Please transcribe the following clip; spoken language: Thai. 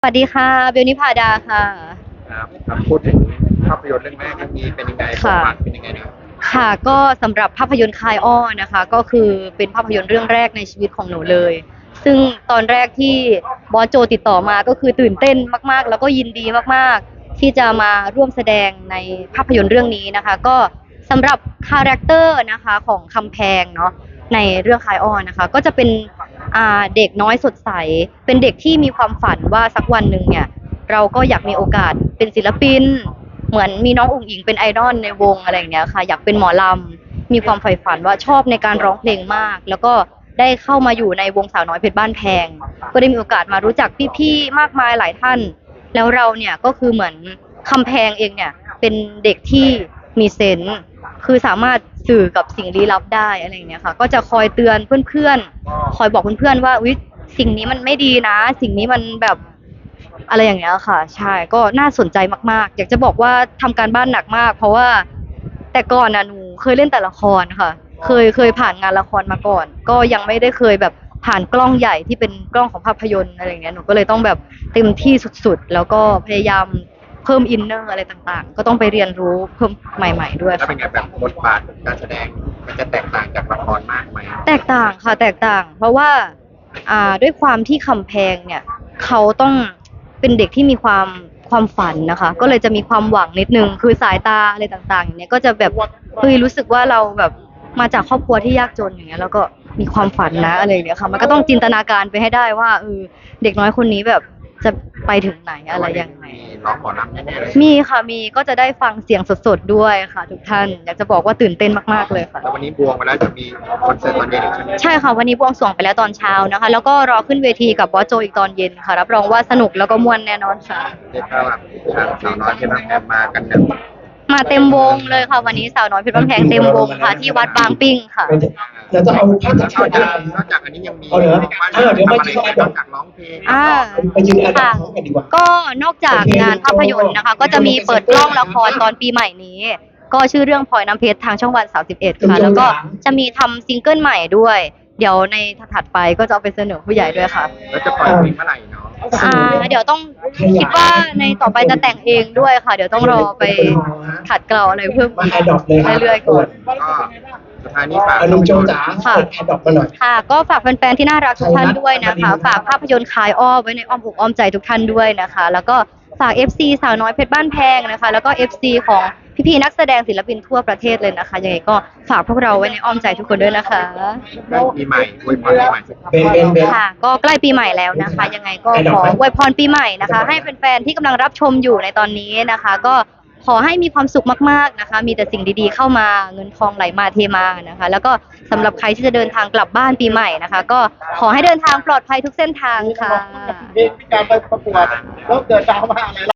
สวัสดีค่ะเบลนิพาดาค่ะครับพูดถึงภาพยนตร์เรื่องแรกเรื่องนี้เป็นยังไงบทค่ะบาทเป็นยังไงนะค่ะก็สำหรับภาพยนตร์คายอ้อนะคะก็คือเป็นภาพยนตร์เรื่องแรกในชีวิตของหนูเลยซึ่งตอนแรกที่บอสโจติดต่อมาก็คือตื่นเต้นมากๆแล้วก็ยินดีมากๆที่จะมาร่วมแสดงในภาพยนตร์เรื่องนี้นะคะก็สำหรับคาแรคเตอร์นะคะของคำแพงเนาะในเรื่องคายอ้อนะคะก็จะเป็นเด็กน้อยสดใสเป็นเด็กที่มีความฝันว่าสักวันหนึ่งเนี่ย เราก็อยากมีโอกาสเป็นศิลปินเหมือนมีน้องอุ๋งอิงเป็นไอดอลในวงอะไรอย่างเงี้ยค่ะอยากเป็นหมอลำมีความใฝ่ฝันว่าชอบในการร้องเพลงมากแล้วก็ได้เข้ามาอยู่ในวงสาวน้อยเพชรบ้านแพงก็ได้มีโอกาสมารู้จักพี่ๆมากมายหลายท่านแล้วเราเนี่ยก็คือเหมือนคำแพงเองเนี่ยเป็นเด็กที่มีเซนส์คือสามารถสื่อกับสิ่งลี้ลับได้อะไรอย่างเงี้ยค่ะก็จะคอยเตือนเพื่อนๆคอยบอกเพื่อนๆว่าอุ๊ยสิ่งนี้มันไม่ดีนะสิ่งนี้มันแบบ อะไรอย่างเงี้ยค่ะใช่ก็น่าสนใจมากๆอยากจะบอกว่าทำการบ้านหนักมากเพราะว่าแต่ก่อนน่ะหนูเคยเล่นแต่ละครค่ะเคยผ่านงานละครมาก่อนก็ยังไม่ได้เคยแบบผ่านกล้องใหญ่ที่เป็นกล้องของภาพยนตร์อะไรอย่างเงี้ยหนูก็เลยต้องแบบเต็มที่สุดๆแล้วก็พยายามเพิ่มอินเนอร์อะไรต่างๆก็ต้องไปเรียนรู้เพิ่มใหม่ๆด้วยแล้วเป็ค่ะนไงแบบบทบาทการแสดงมันจะแตกต่างจากละครมากไหมแตกต่างค่ะแตกต่างเพราะว่าด้วยความที่คำแพงเนี่ยเขาต้องเป็นเด็กที่มีความฝันนะคะก็เลยจะมีความหวังนิดนึงคือสายตาอะไรต่างๆอย่างเนี้ยก็จะแบบเฮ้ยรู้สึกว่าเราแบบมาจากครอบครัวที่ยากจนอย่างเงี้ยแล้วก็มีความฝันนะอะไรอย่างเงี้ยค่ะมันก็ต้องจินตนาการไปให้ได้ว่าเด็กน้อยคนนี้แบบจะไปถึงไหนอะไรยังไงมีร้องหมอลำแน่ๆเลยมีค่ะมีก็จะได้ฟังเสียงสดๆด้วยค่ะทุกท่านอยากจะบอกว่าตื่นเต้นมากๆเลยค่ะแล้ววันนี้บวงไปแล้วจะมีคอนเสิร์ตตอนเย็นอีกใช่ไหมใช่ค่ะวันนี้บวงสรวงไปแล้วตอนเช้านะคะแล้วก็รอขึ้นเวทีกับบอสโจอีกตอนเย็นค่ะรับรองว่าสนุกแล้วก็ม่วนแน่นอนค่ะเรียกว่าแบบสาวน้อยที่มาแอบมากันเนี่ยมาเต็มวงเลยค่ะวันนี้สาวน้อยเพชรบ้านแพงเต็มวงค่ะที่วัดบางปิ้งค่ะเดี๋ยวจะเอาภาพจากนที่อกจากไหนนอกจากอันนี้ยังมีเอาเหรอว่าจะเดี๋ยวมาทำอะไรยืนกันนอกจากร้องเพลงอ่าไปยืนแอดดับค่ะพร้อมกันดีกว่าก็นอกจากงานภาพยนตร์นะคะ ก็จะมีเปิดกล้องละครตอนปีใหม่นี้ ก็ชื่อเรื่องพลอยน้ำเพชรทางช่องวัน31ค่ะแล้วก็จะมีทำซิงเกิลใหม่ด้วยเดี๋ยวในถัดไปก็จะเอาไปเสนอผู้ใหญ่ด้วยค่ะแล้วจะปล่อยเพลงเมื่อไหร่เนาะเดี๋ยวต้องคิดว่าในต่อไปจะแต่งเองด้วยค่ะ เดี๋ยวต้องรอไปขัดเกลาอะไรเพิ่มมาอีกแอดดอปเลยครับเรื่อยๆก่อนก็สุดท้ายนี้ฝากอนุโจจ๋าค่ะแอดดอปมาหน่อยค่ะก็ฝากแฟนๆที่น่ารักทุกท่านด้วยนะคะ ฝากภาพยนตร์คลายอ้อไว้ในอ้อมอกอ้อมใจทุกท่านด้วยนะคะ แล้วก็ฝาก FC สาวน้อยเพชรบ้านแพงนะคะ แล้วก็ FC ของพี่ๆนักแสดงศิลปินทั่วประเทศเลยนะคะยังไงก็ฝากพวกเราไว้ในอ้อมใจทุกคนด้วยนะคะใกล้ปีใหม่อวยพรปีใหม่สักเบนค่ะก็ใกล้ปีใหม่แล้วนะคะ ยังไงก็ขออวยพรปีใหม่นะคะ ให้แฟนๆที่กำลังรับชมอยู่ในตอนนี้นะคะ ก็ขอให้มีความสุขมากๆนะคะ มีแต่สิ่งดีๆเข้ามาเงินทองไหลมาเทมานะคะ แล้วก็สำหรับใครที่จะเดินทางกลับบ้านปีใหม่นะคะ ก็ขอให้เดินทางปลอดภัยทุกเส้นทางค่ะเพลงพิการไปประกวดแล้วเกิดดราม่าอะไร